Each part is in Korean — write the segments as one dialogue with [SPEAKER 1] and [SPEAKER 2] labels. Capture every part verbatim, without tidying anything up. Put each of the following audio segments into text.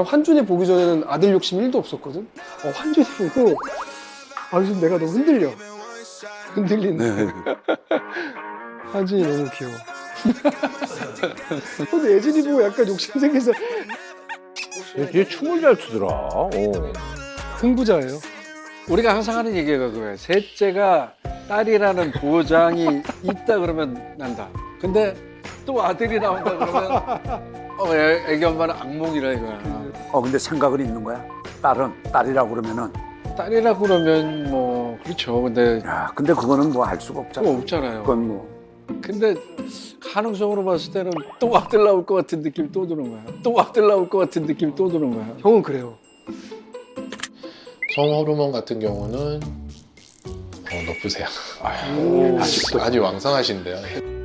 [SPEAKER 1] 난 환준이 보기 전에는 아들 욕심 일도 없었거든. 어, 환준이 보고 아 요즘 내가 너무 흔들려. 흔들린다.
[SPEAKER 2] 네.
[SPEAKER 1] 환준이 너무 귀여워. 근데 예진이 보고 약간 욕심 생겨서
[SPEAKER 2] 얘 춤을 잘 추더라. 어.
[SPEAKER 1] 흥부자예요.
[SPEAKER 3] 우리가 항상 하는 얘기가 그거예요. 셋째가 딸이라는 보장이 있다 그러면 난다. 근데 또 아들이 나온다 그러면 어, 애, 애기 엄마는 악몽이라 이거야.
[SPEAKER 2] 어 근데 생각은 있는 거야? 딸은 딸이라고 그러면은.
[SPEAKER 3] 딸이라고 그러면 뭐 그렇죠. 근데
[SPEAKER 2] 야 근데 그거는 뭐 할 수가 없잖아.
[SPEAKER 3] 또 없잖아요.
[SPEAKER 2] 그건 뭐.
[SPEAKER 3] 근데 가능성으로 봤을 때는 또 아들 나올 것 같은 느낌 또 드는 거야. 또 아들 나올 것 같은 느낌 또 드는 거야.
[SPEAKER 1] 형은 그래요.
[SPEAKER 4] 성호르몬 같은 경우는 어, 높으세요.
[SPEAKER 1] 오.
[SPEAKER 4] 아직도 아주 왕성하신데요.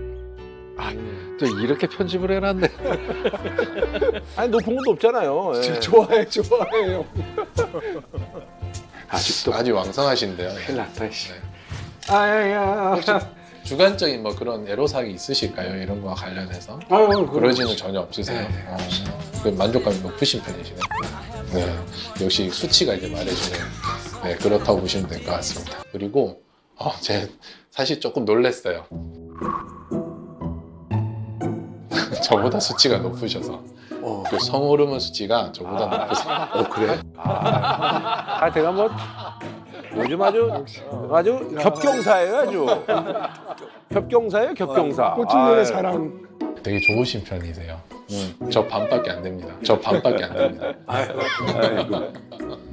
[SPEAKER 3] 또 이렇게 편집을 해놨네.
[SPEAKER 5] 아니 높은 것도 없잖아요. 예.
[SPEAKER 1] 좋아해, 좋아해 형.
[SPEAKER 3] 아직도
[SPEAKER 4] 아주 왕성하신데요.
[SPEAKER 3] 큰일 났다. 씨.
[SPEAKER 4] 네.
[SPEAKER 3] 아야야.
[SPEAKER 4] 혹시 주관적인 뭐 그런 애로사항이 있으실까요? 이런 거와 관련해서?
[SPEAKER 3] 아유,
[SPEAKER 4] 그러지는 전혀 없으세요?
[SPEAKER 3] 네, 네,
[SPEAKER 4] 어, 그 만족감이 높으신 편이시네. 네, 역시 수치가 이제 말해주는 네, 그렇다고 보시면 될 것 같습니다. 그리고 어, 제 사실 조금 놀랐어요. 저보다 수치가 높으셔서
[SPEAKER 2] 어.
[SPEAKER 4] 그 성호르몬 수치가 저보다 높으세요.
[SPEAKER 2] 어 그래?
[SPEAKER 5] 아 제가 뭐 요즘 아주 아주 겹경사예요 아주. 겹경사예요 겹경사.
[SPEAKER 1] 꽃중년의
[SPEAKER 5] 아,
[SPEAKER 1] 사랑.
[SPEAKER 4] 되게 좋으신 편이세요. 저 반밖에 안 됩니다. 저 반밖에 안 됩니다.
[SPEAKER 2] 아이고.